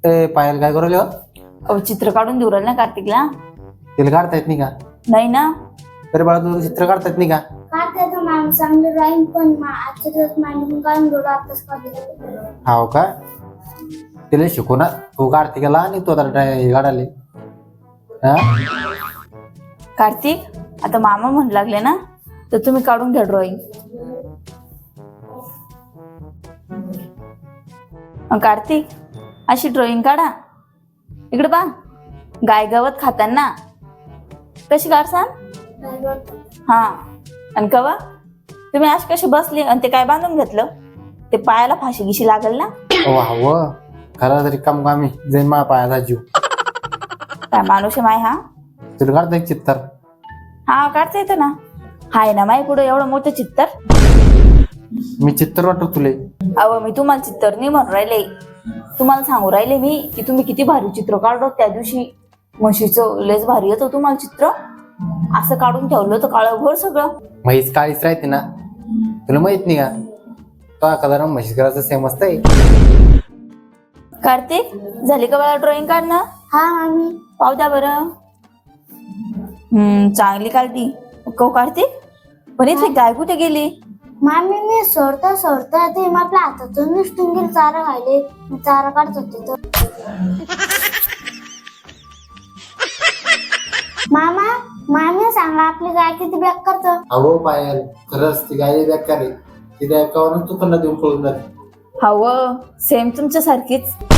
पायल काय करू अहो चित्र काढून देऊ राहिलं ना कार्तिकला. तिला काढता येत नाही का? नाही ना. तरी बाळा तुला चित्र काढता येत नाही का? काढता येतं मॅम, चांगलं ड्रॉइंग पण आजच्या दिवस मॅडम काढून घेऊ आताच काढले. हाव का? तिला शिकू ना, तू काढते गेला आणि तू आता हे काढाले. हा कार्तिक, आता मामा म्हणू लागले ना, तर तुम्ही काढून घ्या ड्रॉइंग. कार्तिक, अशी ड्रॉइंग काढा. इकडे बा, गाय गवत खाताना कशी काढसान. हा, आणि कवा तुम्ही अशी कशी बसली आणि ते काय बांधून घेतलं, ते पायाला फाशी गिशी लागल ना. वा खरा तरी कम कामी जाईन मा पायाचा जीव. काय माणूस आहे माय. हा तुला काढता एक चित्तर? हा काढता येतं ना. हाय ना माय पुढे एवढं मोठं चित्तर. मी चित्तर वाटतो तुले? अहो मी तुम्हाला चित्तर नाही म्हणून राहिले, तुम्हाला सांगू राहिले मी की तुम्ही किती भारी चित्र काढलो. त्या दिवशी म्हशीचं लेस भारी येतं तुम्हाला चित्र. असं काढून ठेवलं होतं काळभोर सगळं. म्हैस काळीच राहते ना, तुला माहित नाही का? तो कलर म्हैस करायचं सेम असतंय. कार्तिक, झाली का मला ड्रॉइंग काढणं? हा मामी. पाहू द्या बरं. चांगली काढली. कौ कार्तिक, पण इथे गाय कुठे गेली? मामी मी सोडता ते आपल्या हातातून निसटून गेली. चारा खायले, मी चारा काढत होते तर. मामी सांगा, आपली गाय किती बॅक करतं? अहो पायल, खरंच ती गाय बेकार आहे. ती बेकावरून तू पण देऊन पळून जाते. हवं सेम तुमच्या सारखीच.